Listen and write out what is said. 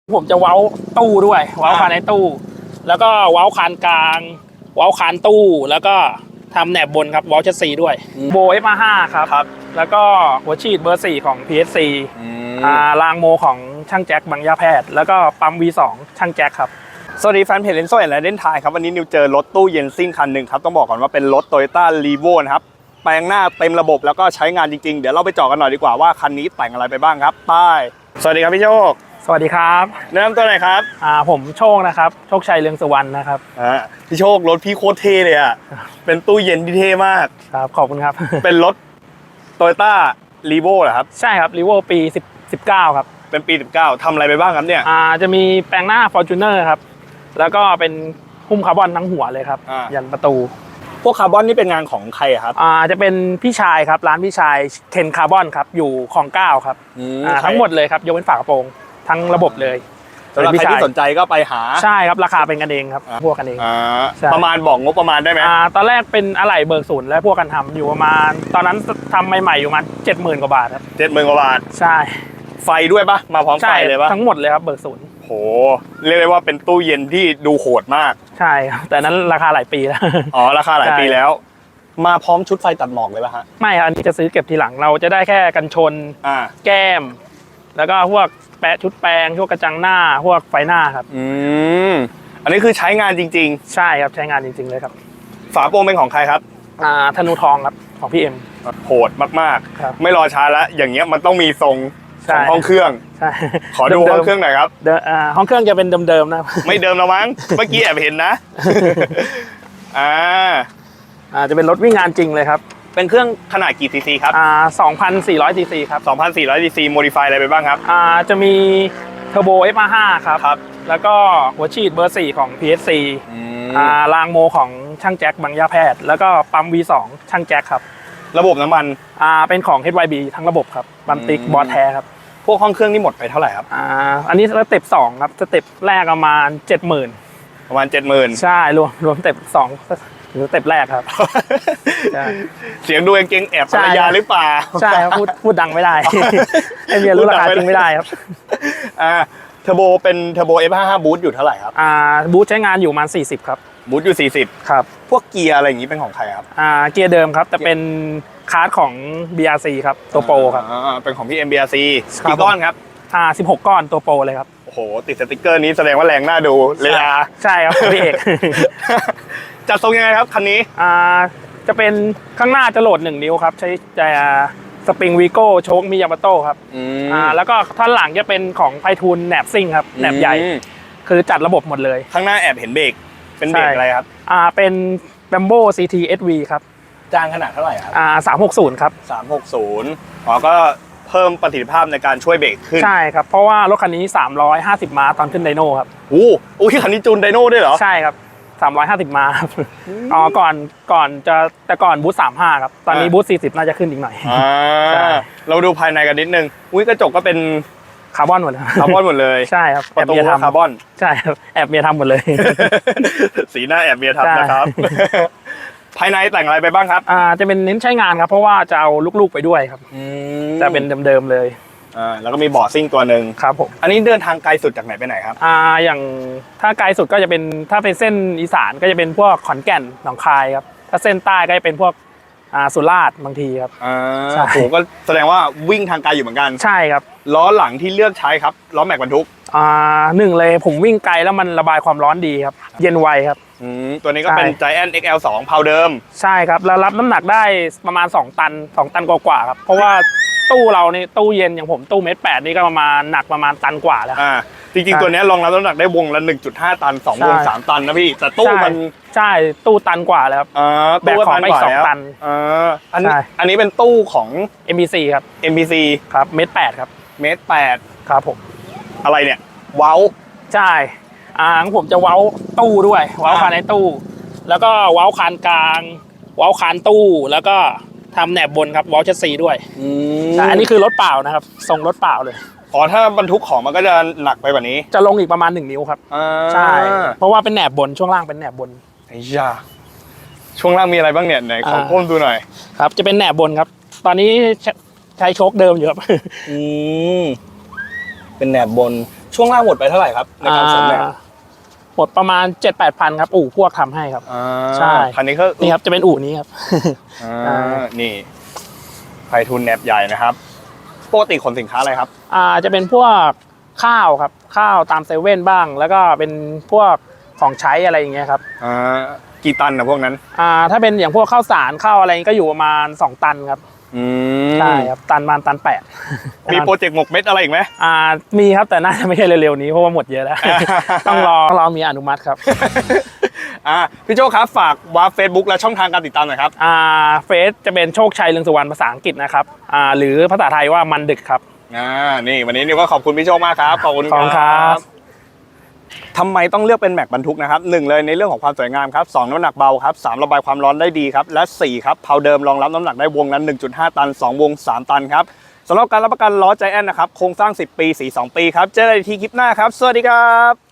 ผมจะเว้าตู้ด้วยเว้าคานในตู้แล้วก็เว้าคานกลางเว้าคานตู้แล้วก็ทำแหนบบนครับเว้าชัดซีด้วยโบ F5 ครับแล้วก็หัวฉีดเบอร์ 4 ของ PSC รางโมของช่างแจ็คบางยาแพทย์แล้วก็ปั๊ม V2 ช่างแจ็คครับสวัสดีแฟนเพจเลนโซ่และเล่นไทยครับวันนี้นิวเจอรถตู้เย็นซิ่งคันหนึ่งครับต้องบอกก่อนว่าเป็นรถ Toyota Revo นะครับแปลงหน้าเต็มระบบแล้วก็ใช้งานจริงๆเดี๋ยวเราไปเจาะกันหน่อยดีกว่าว่าคันนี้แต่งอะไรไปบ้างครับป้ายสวัสดีครับพี่โชคสวัสดีครับแนะนำตัวหน่อยครับผมโชคนะครับโชคชัยเรืองสุวรรณนะครับพี่โชครถพี่โคตรเท่เลยอ่ะเป็นตู้เย็นที่เท่มากครับขอบคุณครับเป็นรถ Toyota Revo เหรอครับใช่ครับ Revo ปี19ครับเป็นปี19ทำอะไรไปบ้างครับเนี่ยจะมีแปลงหน้า Fortuner ครับแล้วก็เป็นหุ้มคาร์บอนทั้งหัวเลยครับยันประตูพวกคาร์บอนนี่เป็นงานของใครครับจะเป็นพี่ชายครับร้านพี่ชายเคนคาร์บอนครับอยู่คลอง9ครับทั้งหมดเลยครับยกเว้นฝากระโปรงทั้งระบบเลยสำหรับใครที่สนใจก็ไปหาใช่ครับราคาเป็นกันเองครับพวกกันเองประมาณบอกงบประมาณได้ไหมตอนแรกเป็นอะไหล่เบิกศูนย์และพวกกันทำอยู่ประมาณตอนนั้นทำใหม่ๆอยู่ประมาณ70,000 กว่าบาทครับ 70,000 กว่าบาทใช่ไฟด้วยปะมาพร้อมไฟเลยปะทั้งหมดเลยครับเบิกศูนย์โหเรียกได้ว่าเป็นตู้เย็นที่ดูโหดมากใช่ครับแต่นั้นราคาหลายปีแล้วราคาหลายปีแล้วมาพร้อมชุดไฟตัดหมอกเลยป่ะฮะไม่ครับอันนี้จะซื้อเก็บทีหลังเราจะได้แค่กันชนแก้มแล้วก็พวกแปะชุดแปรงพวกกระจังหน้าพวกไฟหน้าครับอันนี้คือใช้งานจริงๆใช่ครับใช้งานจริงๆเลยครับฝาโปร่งเป็นของใครครับธนูทองครับของพี่เอ็มโหดมากๆไม่รอช้าแล้วอย่างเงี้ยมันต้องมีทรงของห้องเครื่องใช่ขอดูห้องเครื่องหน่อยครับห้องเครื่องจะเป็นเดิมๆนะไม่เดิมแล้วมั้งเมื่อกี้แอบเห็นนะจะเป็นรถวิ่งงานจริงเลยครับเป็นเครื่องขนาดกี่ซีซีครับ 2,400 ซีซีครับ 2,400 ซีซีโมดิฟายอะไรไปบ้างครับจะมีเทอร์โบ F5 ครับแล้วก็หัวฉีดเบอร์ 4 ของ PSC รางโมของช่างแจ็คบางยาแพทย์แล้วก็ปั๊ม V2 ช่างแจ็คครับระบบน้ำมันเป็นของ HYB ทั้งระบบครับบัมติกบอสแท้ครับพวกห้องเครื่องนี่หมดไปเท่าไหร่ครับอันนี้สเต็ป2ครับสเต็ปแรกประมาณ 70,000 ประมาณ 70,000 ใช่รวมสเต็ป2หรือสเต็ปแรกครับเสียงดูเก่งแอบภรรยาหรือเปล่าใช่ครับพูดดังไม่ได้ให้เมียรู้ราคาจริงไม่ได้ครับเทอร์โบเป็นเทอร์โบ F55 บูทอยู่เท่าไหร่ครับบูทใช้งานอยู่ประมาณ40ครับบูทอยู่40 ครับพวกเกียร์อะไรอย่างนี้เป็นของใครครับเกียร์เดิมครับแต่เป็นคาร์ดของ BRC ครับตัวโปรครับเป็นของพี่ MBRC กี่ก้อนครับ 16 ก้อนตัวโปรเลยครับโอ้โหติดสติ๊กเกอร์นี้แสดงว่าแรงน่าดูเลยใช่ครับพี่เอกจัดทรงยังไงครับคันนี้จะเป็นข้างหน้าจะโหลด1 นิ้วครับใช้สปริงวีโก้โชคมิยามาโต้ครับแล้วก็ท่อนหลังจะเป็นของไพฑูรย์แหนบซิ่งครับแหนบใหญ่คือจัดระบบหมดเลยข้างหน้าแอบเห็นเบรกเป็นเบรกอะไรครับเป็น Brembo CT SV ครับจางขนาดเท่าไหร่ครับ 360ครับ 360ก็เพิ่มประสิทธิภาพในการช่วยเบรกขึ้นใช่ครับเพราะว่ารถคันนี้350 ม้าตอนขึ้นไดโน่ครับโอ้ยคันนี้จูนไดโน่ด้วยเหรอใช่ครับ350 ม้าครับก่อนจะแต่ก่อนบูท35ครับตอนนี้บูท40น่าจะขึ้นอีกหน่อยเราดูภายในกันนิดนึงกระจกก็เป็นคาร์บอนหมดเลยคาร์บอนหมดเลยใช่ครับประตูคาร์บอนใช่ครับแอบเมียทำหมดเลยสีหน้าแอบเมียทำนะครับภายในแต่งอะไรไปบ้างครับจะเป็นเน้นใช้งานครับเพราะว่าจะเอาลูกๆไปด้วยครับจะเป็นเดิมๆเลยแล้วก็มีเบาะซิ่งตัวหนึ่งครับผมอันนี้เดินทางไกลสุดจากไหนไปไหนครับอย่างถ้าไกลสุดก็จะเป็นถ้าเป็นเส้นอีสานก็จะเป็นพวกขอนแก่นหนองคายครับถ้าเส้นใต้ก็จะเป็นพวกสุราษฎร์บางทีครับโอ้โหก็แสดงว่าวิ่งทางไกลอยู่เหมือนกันใช่ครับล้อหลังที่เลือกใช้ครับล้อแม็กบรรทุก 1เลยผมวิ่งไกลแล้วมันระบายความร้อนดีครับเย็นไวครับตัวนี้ก็เป็น Giant XL2 เพาเดิมใช่ครับแล้วรับน้ำหนักได้ประมาณ2 ตันกว่าครับเพราะว่าตู้เรานี่ตู้เย็นอย่างผมตู้1.8 นี่ก็ประมาณหนักประมาณตันกว่าแล้วจริงๆตัวนี้รองรับน้ำหนักได้วงละ 1.5 ตัน2 วง 3 ตันนะพี่แต่ตู้มันใช่ตู้ตันกว่าแล้วครับแบกของไป2 ตันอันนี้เป็นตู้ของ MBC ครับ MBC ครับ1.8 ครับ 1.8 ครับผมอะไรเนี่ยเว้าใช่ของผมจะเว้าตู้ด้วยเว้าคานในตู้แล้วก็เว้าคานกลางเว้าคานตู้แล้วก็ทำแหนบบนครับเว้าชัดซีด้วยอันนี้คือรถเปล่านะครับทรงรถเปล่าเลยถ้าบรรทุกของมันก็จะหนักไปกว่านี้จะลงอีกประมาณ1 นิ้วครับใช่เพราะว่าเป็นแหนบบนช่วงล่างเป็นแหนบบนช่วงล่างมีอะไรบ้างเนี่ยไหนขอก้มดูหน่อยครับจะเป็นแหนบบนครับตอนนี้ใช้โชคเดิมอยู่ครับเป็นแหนบบนช่วงล่างหมดไปเท่าไหร่ครับในการเสริมแหนบหมดประมาณ 7-8 พันครับอู่พวกทำให้ครับใช่คันนี้ก็นี่ครับจะเป็นอู่นี้ครับนี่ไพฑูรย์แหนบใหญ่นะครับปกติขนสินค้าอะไรครับจะเป็นพวกข้าวครับข้าวตามเซเว่นบ้าง แล้วก็เป็นพวกของใช้อะไรอย่างเงี้ยครับกี่ตันนะพวกนั้นถ้าเป็นอย่างพวกข้าวสารข้าวอะไรก็อยู่ประมาณ2 ตันครับใช่ครับตันประมาณตัน 8 มีโปรเจกต์หมกเม็ดอะไรอีกไหมมีครับแต่น่าจะไม่ใช่เร็วๆนี้เพราะว่าหมดเยอะแล้ว ต้องรอมีอนุมัติครับพี่โจครับฝากวาร์ป Facebook และช่องทางการติดตามหน่อยครับเฟซจะเป็นโชคชัยเรืองสุวรรณภาษาอังกฤษนะครับหรือภาษาไทยว่ามันดึกครับนี่วันนี้นิวก็ขอบคุณพี่โจมากครับขอบคุณครับทำไมต้องเลือกเป็นแม็กบรรทุกนะครับ1เลยในเรื่องของความสวยงามครับ2น้ำหนักเบาครับ3ระบายความร้อนได้ดีครับและ4ครับเพาเดิมรองรับน้ำหนักได้วงละ 1.5 ตัน2วง3ตันครับสำหรับการรับประกันล้อใจแอนนะครับโครงสร้าง10 ปี42 ปีครับเจอกันอีกทีคลิปหน้าครับสวัสดีครับ